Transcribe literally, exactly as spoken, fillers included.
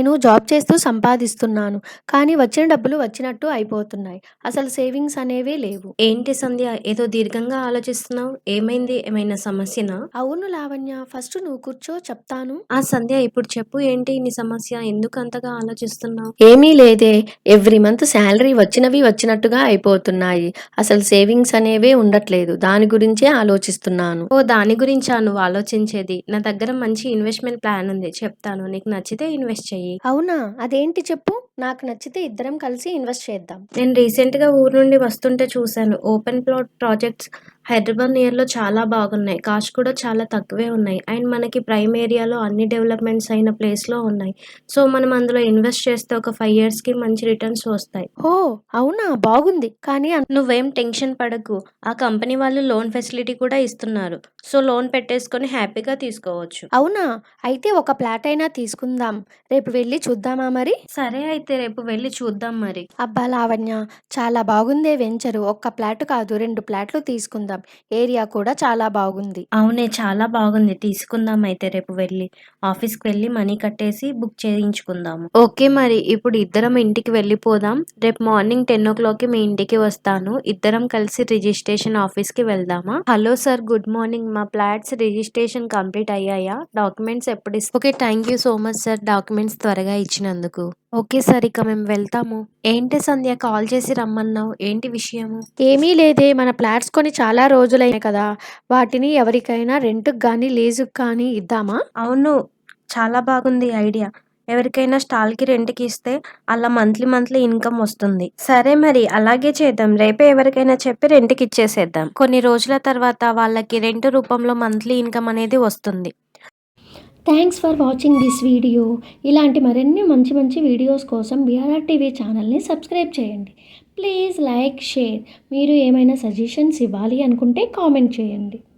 నేను జాబ్ చేస్తూ సంపాదిస్తున్నాను. కానీ వచ్చిన డబ్బులు వచ్చినట్టు అయిపోతున్నాయి. అసలు సేవింగ్స్ అనేవే లేవు. ఏంటి సంధ్య ఏదో దీర్ఘంగా ఆలోచిస్తున్నావు? ఏమైంది? ఏమైనా సమస్యనా? అవును లావణ్య. ఫస్ట్ నువ్వు కూర్చో చెప్తాను. ఆ! సంధ్య ఇప్పుడు చెప్పు ఏంటి నీ సమస్య? ఎందుకు అంతగా ఆలోచిస్తున్నావు? ఏమీ లేదే. ఎవ్రీ మంత్ శాలరీ వచ్చినవి వచ్చినట్టుగా అయిపోతున్నాయి. అసలు సేవింగ్స్ అనేవే ఉండట్లేదు. దాని గురించే ఆలోచిస్తున్నాను. ఓ దాని గురించా నువ్వు ఆలోచించేది? నా దగ్గర మంచి ఇన్వెస్ట్‌మెంట్ ప్లాన్ ఉంది. చెప్తాను. నీకు నచ్చితే ఇన్వెస్ట్ చెయ్యి. అవునా? అదేంటి చెప్పు? నాకు నచ్చితే ఇద్దరం కలిసి ఇన్వెస్ట్ చేద్దాం. నేను రీసెంట్‌గా ఊరు నుండి వస్తుంటే చూశాను. ఓపెన్ ప్లాట్ ప్రాజెక్ట్స్ హైదరాబాద్ నియర్‌లో చాలా బాగున్నాయి. కాస్ట్ కూడా చాలా తక్కువే ఉన్నాయి. అండ్ మనకి ప్రైమ్ ఏరియాలో అన్ని డెవలప్‌మెంట్స్ అయిన ప్లేస్‌లో ఉన్నాయి. సో, మనం అందులో ఇన్వెస్ట్ చేస్తే ఒక ఐదు ఇయర్స్‌కి మంచి రిటర్న్స్ వస్తాయి. ఓహ్! అవునా? బాగుంది. కానీ అన్ నువ్వేం టెన్షన్ పడకు. ఆ కంపెనీ వాళ్ళు లోన్ ఫెసిలిటీ కూడా ఇస్తున్నారు. సో, లోన్ పెట్టేసుకొని హ్యాపీగా తీసుకోవచ్చు. అవునా? అయితే ఒక ఫ్లాట్ అయినా తీసుకుందాం. రేపు వెళ్లి చూద్దామా మరి? సరే అయితే రేపు వెళ్లి చూద్దాం మరి. అబ్బా! లావణ్య, చాలా బాగుందే వెంచరు. ఒక్క ఫ్లాట్ కాదు రెండు ఫ్లాట్లు తీసుకుందాం. ఏరియా కూడా చాలా బాగుంది. అవునే చాలా బాగుంది. తీసుకుందాం అయితే రేపు వెళ్లి. ఆఫీస్‌కి వెళ్లి మనీ కట్టేసి బుక్ చేయించుకుందాము. ఓకే మరి ఇప్పుడు ఇద్దరం ఇంటికి వెళ్ళిపోదాం. రేపు మార్నింగ్ పదికి మీ ఇంటికి వస్తాను. ఇద్దరం కలిసి రిజిస్ట్రేషన్ ఆఫీస్‌కి వెళ్దామా? Hello sir good morning. మా ఫ్లాట్స్ రిజిస్ట్రేషన్ కంప్లీట్ అయ్యాయా? డాక్యుమెంట్స్ ఎప్పుడు is okay. Thank you so much sir documents త్వరగా ఇచ్చినందుకు. ఓకే సార్ ఇక మేము వెళ్తాము. ఏంటి సంధ్య కాల్ చేసి రమ్మన్నావు? ఏంటి విషయము? ఏమీ లేదే, మన ఫ్లాట్స్ కొని చాలా రోజులైనాయి కదా! వాటిని ఎవరికైనా రెంట్‌కి గానీ, లీజుకి కానీ ఇద్దామా? అవును. చాలా బాగుంది ఐడియా. ఎవరికైనా స్టాల్‌కి రెంట్‌కి ఇస్తే అలా మంత్లీ, మంత్లీ ఇన్‌కమ్ వస్తుంది. సరే మరి అలాగే చేద్దాం. రేపే ఎవరికైనా చెప్పి రెంట్‌కి ఇచ్చేసేద్దాం. కొన్ని రోజుల తర్వాత వాళ్ళకి రెంట్ రూపంలో మంత్లీ ఇన్‌కమ్ అనేది వస్తుంది. Thanks for watching this video. ఇలాంటి మరిన్ని మంచి మంచి వీడియోస్ కోసం బీఆర్ఆర్ టీవీ ఛానల్ని సబ్స్క్రైబ్ చేయండి. Please like, share. మీరు ఏమైనా సజెషన్స్ ఇవ్వాలి అనుకుంటే కామెంట్ చేయండి.